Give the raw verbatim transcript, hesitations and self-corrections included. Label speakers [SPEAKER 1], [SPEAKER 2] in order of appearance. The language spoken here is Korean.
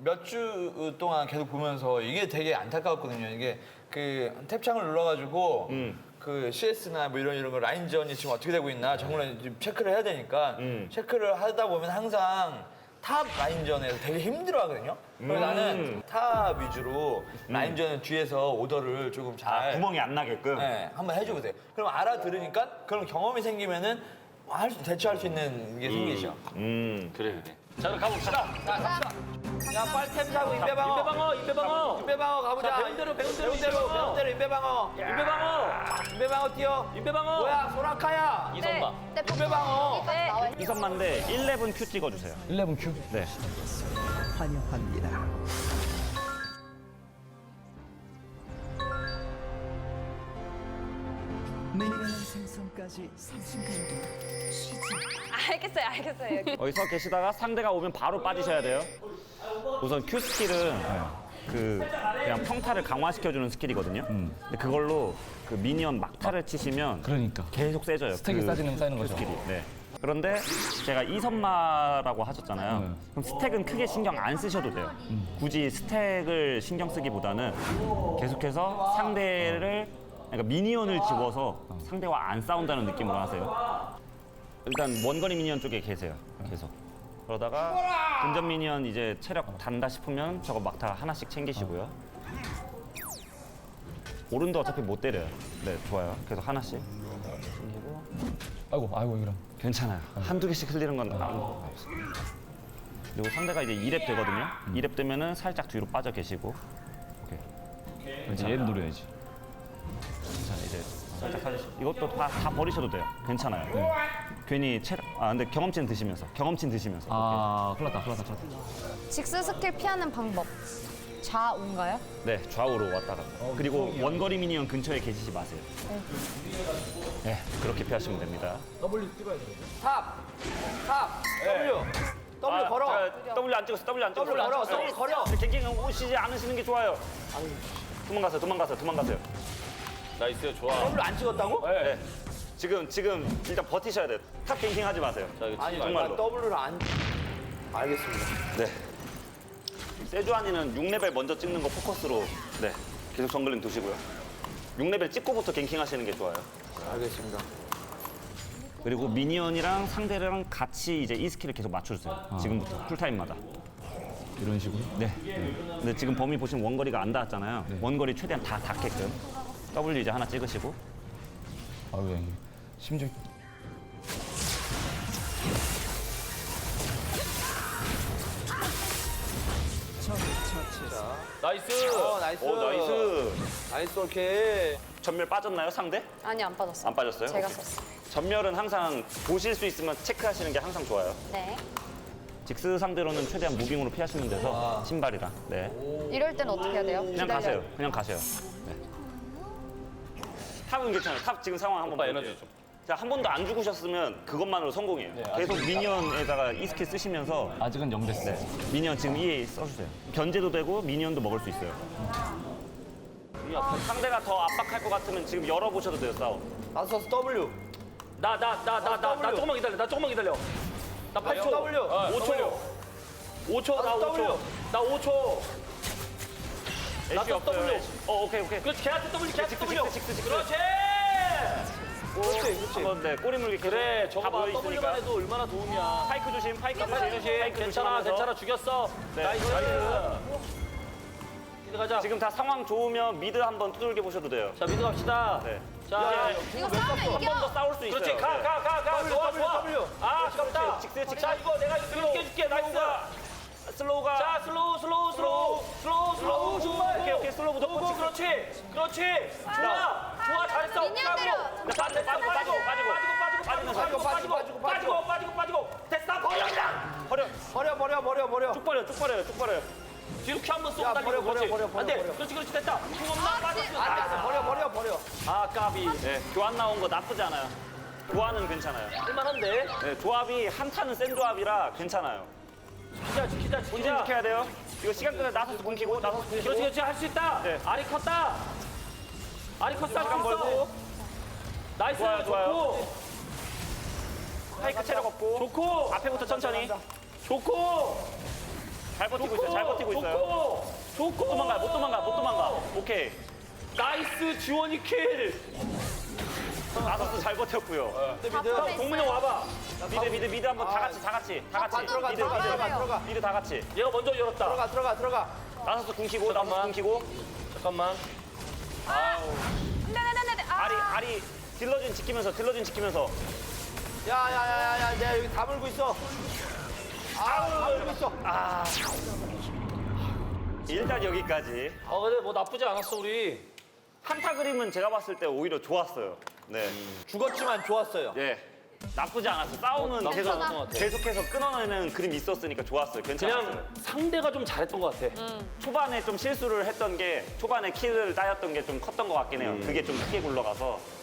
[SPEAKER 1] 몇 주 동안 계속 보면서 이게 되게 안타까웠거든요. 이게 그 탭창을 눌러가지고
[SPEAKER 2] 음.
[SPEAKER 1] 그 씨에스나 뭐 이런 이런 거 라인전이 지금 어떻게 되고 있나 정말 지금 체크를 해야 되니까
[SPEAKER 2] 음.
[SPEAKER 1] 체크를 하다 보면 항상 탑 라인전에서 되게 힘들어하거든요. 그래서
[SPEAKER 2] 음.
[SPEAKER 1] 나는 탑 위주로 라인전 뒤에서 오더를 조금 잘
[SPEAKER 2] 구멍이 안 나게끔.
[SPEAKER 1] 네, 한번 해주보세요. 그럼 알아들으니까 그럼 경험이 생기면은 할 수, 대처할 수 있는 게 생기죠.
[SPEAKER 2] 음.
[SPEAKER 3] 그래 그래. 자 그럼 가봅시다.
[SPEAKER 1] 자, 갑시다. 야, 빨리 탭 사고 임배방어.
[SPEAKER 3] 임배방어 임배방어.
[SPEAKER 1] 임배방어 가보자.
[SPEAKER 3] 자, 배운대로, 배운대로,
[SPEAKER 1] 배운대로
[SPEAKER 3] 임배방어.
[SPEAKER 1] 배운대로 임배방어.
[SPEAKER 3] 임배방어.
[SPEAKER 1] 임배방어 뛰어.
[SPEAKER 3] 임배방어.
[SPEAKER 1] 뭐야, 소라카야.
[SPEAKER 3] 이선마.
[SPEAKER 4] 네.
[SPEAKER 1] 임배방어.
[SPEAKER 4] 네.
[SPEAKER 2] 이선만데 십일 큐 찍어주세요.
[SPEAKER 5] 십일 큐?
[SPEAKER 2] 네.
[SPEAKER 6] 환영합니다. 미니언 생성까지 삼십 분.
[SPEAKER 4] 알겠어요, 알겠어요.
[SPEAKER 2] 여기서 계시다가 상대가 오면 바로 빠지셔야 돼요. 우선 Q 스킬은 그 그냥 평타를 강화시켜주는 스킬이거든요. 근데 그걸로 그 미니언 막타를 치시면
[SPEAKER 5] 그러니까.
[SPEAKER 2] 계속 세져요.
[SPEAKER 5] 스택이
[SPEAKER 2] 그
[SPEAKER 5] 쌓이는 쌓이는
[SPEAKER 2] Q
[SPEAKER 5] 거죠.
[SPEAKER 2] 스킬이. 네. 그런데 제가 이선마라고 하셨잖아요.
[SPEAKER 5] 네.
[SPEAKER 2] 그럼 스택은 크게 신경 안 쓰셔도 돼요. 굳이 스택을 신경 쓰기보다는 계속해서 상대를 그러니까 미니언을 집어서 상대와 안 싸운다는 느낌으로 하세요. 일단 원거리 미니언 쪽에 계세요. 계속. 그러다가 근접 미니언 이제 체력 단다 싶으면 저거 막타 하나씩 챙기시고요. 오른도 어차피 못 때려요. 네, 좋아요. 계속 하나씩. 챙기고.
[SPEAKER 5] 아이고, 아이고, 이런.
[SPEAKER 2] 괜찮아요. 한두 개씩 흘리는 건 아무 없습니다. 그리고 상대가 이제 이 렙 되거든요. 이 렙 되면은 살짝 뒤로 빠져 계시고. 오케이.
[SPEAKER 5] 이제 얘를 노려야지.
[SPEAKER 2] 자, 이제 살짝 사주시고. 이것도 다, 다 버리셔도 돼요. 괜찮아요. 괜히 체력, 아, 근데 경험치는 드시면서. 경험치는 드시면서.
[SPEAKER 5] 아, 큰일 났다, 큰일 났다, 큰일 났다.
[SPEAKER 4] 직스 스킬 피하는 방법. 좌우인가요?
[SPEAKER 2] 네, 좌우로 왔다 갔다. 그리고 원거리 미니언 근처에 계시지 마세요. 네, 그렇게 피하시면 됩니다.
[SPEAKER 1] 탑. 탑. W. W 걸어.
[SPEAKER 2] 아, 자, W 안 찍었어, W 안 찍었어.
[SPEAKER 1] W 걸어. W 걸어.
[SPEAKER 2] 갱갱 오시지 않으시는 게 좋아요. 도망가세요, 도망가세요, 도망가세요.
[SPEAKER 3] 나이스 좋아.
[SPEAKER 1] W 안 찍었다고?
[SPEAKER 2] 네. 지금, 지금 일단 버티셔야 돼요. 탑 갱킹 하지 마세요.
[SPEAKER 3] 자 이거
[SPEAKER 1] 아니,
[SPEAKER 3] 치지
[SPEAKER 2] 정말로.
[SPEAKER 1] 나 W를 안. 알겠습니다.
[SPEAKER 2] 네. 세주안이는 육 레벨 먼저 찍는 거 포커스로 네 계속 정글링 두시고요. 육 레벨 찍고부터 갱킹 하시는 게 좋아요.
[SPEAKER 1] 알겠습니다.
[SPEAKER 2] 그리고 미니언이랑 상대랑 같이 이제 이 스킬을 계속 맞춰주세요. 지금부터 쿨타임마다.
[SPEAKER 5] 이런 식으로.
[SPEAKER 2] 네. 근데 지금 범위 보시면 원거리가 안 닿았잖아요. 원거리 최대한 다 닿게끔. W 이제 하나 찍으시고.
[SPEAKER 5] 아유, 야, 이게 심지어.
[SPEAKER 3] 나이스.
[SPEAKER 1] 어, 나이스.
[SPEAKER 2] 오 나이스.
[SPEAKER 1] 나이스, 오케이.
[SPEAKER 2] 전멸 빠졌나요 상대?
[SPEAKER 4] 아니, 안 빠졌어요.
[SPEAKER 2] 안 빠졌어요?
[SPEAKER 4] 제가
[SPEAKER 2] 오케이.
[SPEAKER 4] 썼어요.
[SPEAKER 2] 전멸은 항상 보실 수 있으면 체크하시는 게 항상 좋아요.
[SPEAKER 4] 네.
[SPEAKER 2] 직스 상대로는 최대한 무빙으로 피하시면 돼서 신발이랑. 네.
[SPEAKER 4] 이럴 땐 어떻게 해야 돼요?
[SPEAKER 2] 그냥
[SPEAKER 4] 기다려요.
[SPEAKER 2] 가세요. 그냥 가세요. 네. 탑은 괜찮아요. 탑 지금 상황 한번
[SPEAKER 3] 오빠
[SPEAKER 2] 볼게요.
[SPEAKER 3] 에너지 좀.
[SPEAKER 2] 자, 한 번도 안 죽으셨으면 그것만으로 성공이에요. 계속 미니언에다가 이 스킬 쓰시면서
[SPEAKER 5] 아직은 영 됐어.
[SPEAKER 2] 네. 미니언 지금 이에 써주세요. 견제도 되고 미니언도 먹을 수 있어요. 상대가 더 압박할 것 같으면 지금 열어보셔도 돼요, 싸움.
[SPEAKER 1] 나서 W.
[SPEAKER 3] 나 나 나 나 나 나 조금만 기다려. 나 조금만 기다려. 나 팔 초.
[SPEAKER 1] W.
[SPEAKER 3] 어, 오 초. 오 초. 나 오
[SPEAKER 1] W.
[SPEAKER 3] 초. 나 오 초.
[SPEAKER 2] 애쉬
[SPEAKER 3] 나도
[SPEAKER 2] 없어요.
[SPEAKER 3] W.
[SPEAKER 2] 애쉬. 어, 오케이, 오케이.
[SPEAKER 3] 그렇지. 걔한테 W. 걔한테
[SPEAKER 2] 직스,
[SPEAKER 3] W.
[SPEAKER 2] 직스, 직스.
[SPEAKER 3] 그렇지.
[SPEAKER 1] 그렇지, 그렇지.
[SPEAKER 2] 한번 네, 꼬리 물기 계속
[SPEAKER 3] 그래. 저거
[SPEAKER 2] 다
[SPEAKER 3] 봐.
[SPEAKER 2] 모여
[SPEAKER 3] W만
[SPEAKER 2] 있으니까.
[SPEAKER 3] 해도 얼마나 도움이야.
[SPEAKER 2] 파이크 조심, 파이크 조심.
[SPEAKER 3] 파이크 조심. 괜찮아.
[SPEAKER 2] 조심하면서.
[SPEAKER 3] 괜찮아. 죽였어.
[SPEAKER 2] 네,
[SPEAKER 3] 나이스.
[SPEAKER 2] 나이스.
[SPEAKER 3] 미드 가자.
[SPEAKER 2] 지금 다 상황 좋으면 미드 한번 두들겨 보셔도 돼요.
[SPEAKER 3] 자 미드 갑시다.
[SPEAKER 2] 네.
[SPEAKER 3] 자.
[SPEAKER 4] 이거 싸우면
[SPEAKER 2] 한 번 더
[SPEAKER 4] 이겨.
[SPEAKER 2] 싸울 수 있어요.
[SPEAKER 3] 그렇지. 가
[SPEAKER 2] 네.
[SPEAKER 3] 가 가 가.
[SPEAKER 1] W,
[SPEAKER 3] 좋아
[SPEAKER 1] W,
[SPEAKER 3] 좋아.
[SPEAKER 1] W.
[SPEAKER 3] 아 아깝다.
[SPEAKER 2] 직스, 직스.
[SPEAKER 3] 자 이거 내가 이거 이겨줄게. 나이스.
[SPEAKER 2] 슬로우가.
[SPEAKER 3] 자 슬로우 슬로우 슬로우 슬로우 슬로우 정말
[SPEAKER 2] 오케이, 오케이. 슬로우 무조건
[SPEAKER 3] 오고
[SPEAKER 2] 찍고.
[SPEAKER 3] 그렇지 그렇지 좋아 좋아 잘했어
[SPEAKER 4] 미니언 때려.
[SPEAKER 2] 빠지고, 빠지고, 빠지고, 빠지고.
[SPEAKER 3] 빠지고 빠지고
[SPEAKER 1] 빠지고,
[SPEAKER 3] 빠지고
[SPEAKER 1] 빠지고,
[SPEAKER 3] 빠지고 빠지고 빠지고 됐어 버려 그냥
[SPEAKER 2] 버려.
[SPEAKER 1] 버려, 버려, 버려, 버려.
[SPEAKER 2] 쭉 버려요, 쭉 버려요, 쭉 버려요.
[SPEAKER 3] 뒤로 큐 한번 쏘고
[SPEAKER 1] 야,
[SPEAKER 3] 달리고
[SPEAKER 1] 버려, 버려,
[SPEAKER 3] 그렇지
[SPEAKER 1] 버려, 버려,
[SPEAKER 3] 안돼
[SPEAKER 1] 버려.
[SPEAKER 3] 그렇지 그렇지 됐다 궁 없나
[SPEAKER 4] 아,
[SPEAKER 3] 빠졌어
[SPEAKER 1] 안 됐어. 버려, 버려, 버려.
[SPEAKER 3] 아 까비
[SPEAKER 2] 네, 교환 나온 거 나쁘지 않아요. 교환은 괜찮아요.
[SPEAKER 3] 할만한데
[SPEAKER 2] 네, 조합이 한타는 센 조합이라 괜찮아요.
[SPEAKER 3] 지키자 지키자
[SPEAKER 2] 본진
[SPEAKER 3] 지키자
[SPEAKER 2] 지켜야 돼요. 이거 시간 끄면 나서서 굶기고, 나서서 굶기고.
[SPEAKER 3] 그렇지 그렇지 할 수 있다
[SPEAKER 2] 네.
[SPEAKER 3] 아리 컸다 아리 컸다
[SPEAKER 2] 시간 벌고.
[SPEAKER 3] 나이스
[SPEAKER 2] 좋아요, 좋아요.
[SPEAKER 3] 좋고
[SPEAKER 2] 파이크 체력 없고.
[SPEAKER 3] 좋고
[SPEAKER 2] 앞에부터 천천히.
[SPEAKER 3] 좋고
[SPEAKER 2] 잘 버티고 있어요. 잘 버티고 있어요.
[SPEAKER 3] 좋고 좋고
[SPEAKER 2] 못 도망가, 못 도망가, 못 도망가. 오케이.
[SPEAKER 3] 나이스 지원이 킬.
[SPEAKER 2] 아서스 잘 버텼고요.
[SPEAKER 1] 미드
[SPEAKER 4] 다
[SPEAKER 1] 미드.
[SPEAKER 4] 꺼내
[SPEAKER 3] 동문형 와봐.
[SPEAKER 2] 미드, 미드, 미드 한번 다 같이, 다 같이, 다 같이.
[SPEAKER 1] 들어가
[SPEAKER 2] 미드,
[SPEAKER 1] 들어가
[SPEAKER 2] 미드,
[SPEAKER 1] 들어가 들어가
[SPEAKER 2] 미드 다 같이.
[SPEAKER 3] 얘가 먼저 열었다.
[SPEAKER 1] 들어가 들어가 들어가.
[SPEAKER 2] 나서스 궁키고, 나서스
[SPEAKER 3] 잠깐만.
[SPEAKER 2] 궁키고.
[SPEAKER 3] 잠깐만.
[SPEAKER 4] 네네네네. 아.
[SPEAKER 2] 아리, 아리. 딜러진 지키면서, 딜러진 지키면서.
[SPEAKER 1] 야야야야야 내가 여기 다 물고 있어. 아다 물고 있어.
[SPEAKER 2] 아. 일단 여기까지.
[SPEAKER 3] 어 근데 뭐 나쁘지 않았어 우리.
[SPEAKER 2] 한타 그림은 제가 봤을 때 오히려 좋았어요. 네.
[SPEAKER 1] 죽었지만 좋았어요.
[SPEAKER 2] 예. 나쁘지 않았어요. 싸움은
[SPEAKER 3] 나쁘지
[SPEAKER 2] 계속,
[SPEAKER 3] 않았던 것 같아.
[SPEAKER 2] 계속해서 끊어내는 그림이 있었으니까 좋았어요. 괜찮았어요.
[SPEAKER 3] 그냥 상대가 좀 잘했던 것 같아.
[SPEAKER 2] 초반에 좀 실수를 했던 게 초반에 킬을 따였던 게 좀 컸던 것 같긴 해요. 그게 좀 크게 굴러가서